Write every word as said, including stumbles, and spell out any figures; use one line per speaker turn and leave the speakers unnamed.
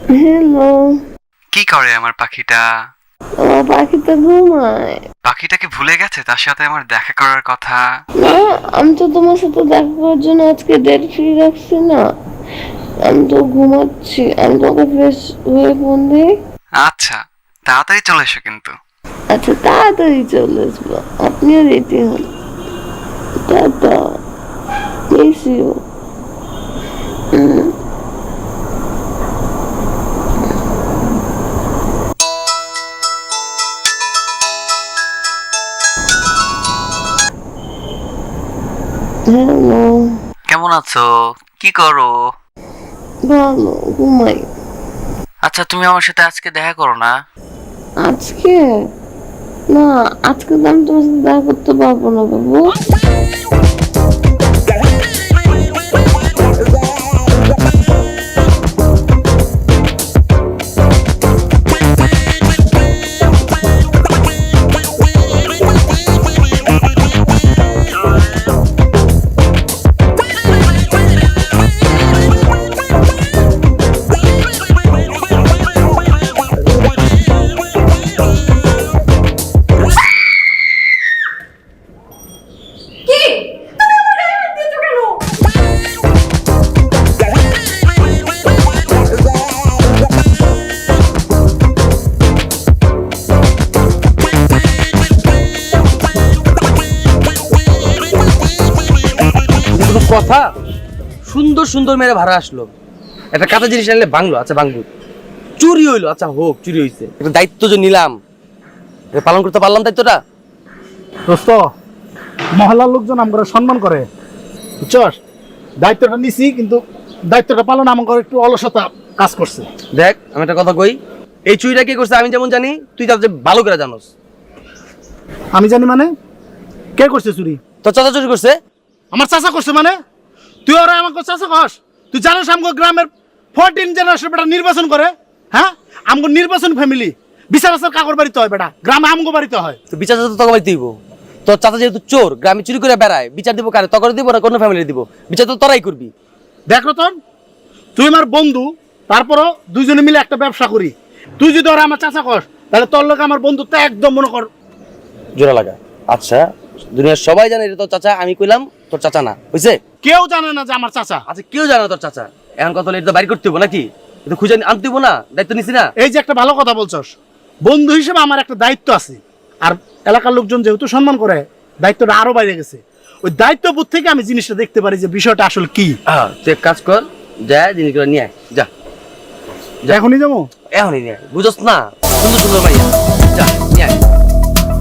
Hello.
কি করে আমার পাখিটা?
আমার পাখিটা ঘুমায়।
পাখিটাকে ভুলে গেছে তার সাথে আমার দেখা করার কথা?
না, আমি তো তোমার সাথে দেখা করার জন্য আজকে ডেট ফ্রি রাখছি না। আমি তো ঘুমাচ্ছি। আমি তোমাকে ফ্রেশ হয়ে ফোন দিই।
আচ্ছা, তাড়াতাড়ি চলে এসো কিন্তু।
আচ্ছা, তাড়াতাড়ি চলে আসবো। আপনিও রেডি হন। টাটা। Miss you. হ্যালো।
কেমন আছো? কি করো?
ভালো, ঘুমাই।
আচ্ছা, তুমি আমার সাথে আজকে দেখা করো না?
আজকে না, আজকে তো আমি তোমার সাথে দেখা করতে পারবো না বাবু।
কথা সুন্দর সুন্দর মেরে ভাড়া আসলো, একটা কাঁচা জিনিস আনলে ভাঙলো, আচ্ছা ভাঙবো, চুরি হইলো, আচ্ছা হোক চুরি হইছে, একটা দায়িত্ব যে নিলাম এটা পালন করতে পারলাম দায়িত্বটা।
দোস্ত, মহল্লার লোকজন আমরা সম্মান করে, বুঝছস? দায়িত্বটা নিছি, কিন্তু দায়িত্বটা পালন আমার একটু অলসতা কাজ করছে।
দেখ আমি একটা কথা কই, এই চুরিটা কে করছে আমি যেমন জানি, তুই তার যে ভালো করে জানোস।
আমি জানি মানে? কে করছে চুরি?
তোর চাচা চুরি করছে।
আমার চাচা করছে মানে? তুই ওরা আমাকে চাচা কস? তুই জানোস আমগো গ্রামের ফোরটিন জেনারেশন বেটা নির্বাচন করে, হ্যাঁ? আমগো নির্বাচন ফ্যামিলি, বিচার আচার কাকর বাড়িতে হয় বেটা, গ্রামে আমগো বাড়িতে হয়।
তো বিচার তো তোকে বাড়ি দিব, তোর চাচা যেহেতু চোর, গ্রামে চুরি করে বেড়ায়, বিচার দিব কারে? তখন দিব না কোনো ফ্যামিলি দিব? বিচার তো তোরাই করবি।
দেখ রতন, তুই আমার বন্ধু, তারপরও দুইজনে মিলে একটা ব্যবসা করি। তুই যদি ওরা আমার চাচা কস, তাহলে তোর লোক আমার বন্ধুত্ব একদম মনে কর
জোড়া লাগা। আচ্ছা, দুনিয়ার সবাই জানে এটা তোর চাচা, আমি কইলাম তোর চাচা না, বুঝছে?
কেউ জানে না যে আমার চাচা।
আচ্ছা, কেউ জানে না তোর চাচা, এখন কথা হলো এটা বাড়ি করতে হবো নাকি? এটা খুঁজে আনতে হবো না? দায়িত্ব নিছি না?
এই যে একটা ভালো কথা বলছস, বন্ধু হিসেবে আমার একটা দায়িত্ব আছে, আর এলাকার লোকজন যেহেতু সম্মান করে, দায়িত্বটা আরো বাইরে গেছে। ওই দায়িত্ববোধ থেকে আমি জিনিসটা দেখতে পারি যে বিষয়টা আসলে কি।
হ্যাঁ, তুই এক কাজ কর, যা জিনিসগুলো নিয়ে আয়, যা
এখনই যাবো?
এখনই নিয়ে আয়, বুঝোস না? সুন্দর সুন্দর ভাইয়া, যা নিয়ে আয়।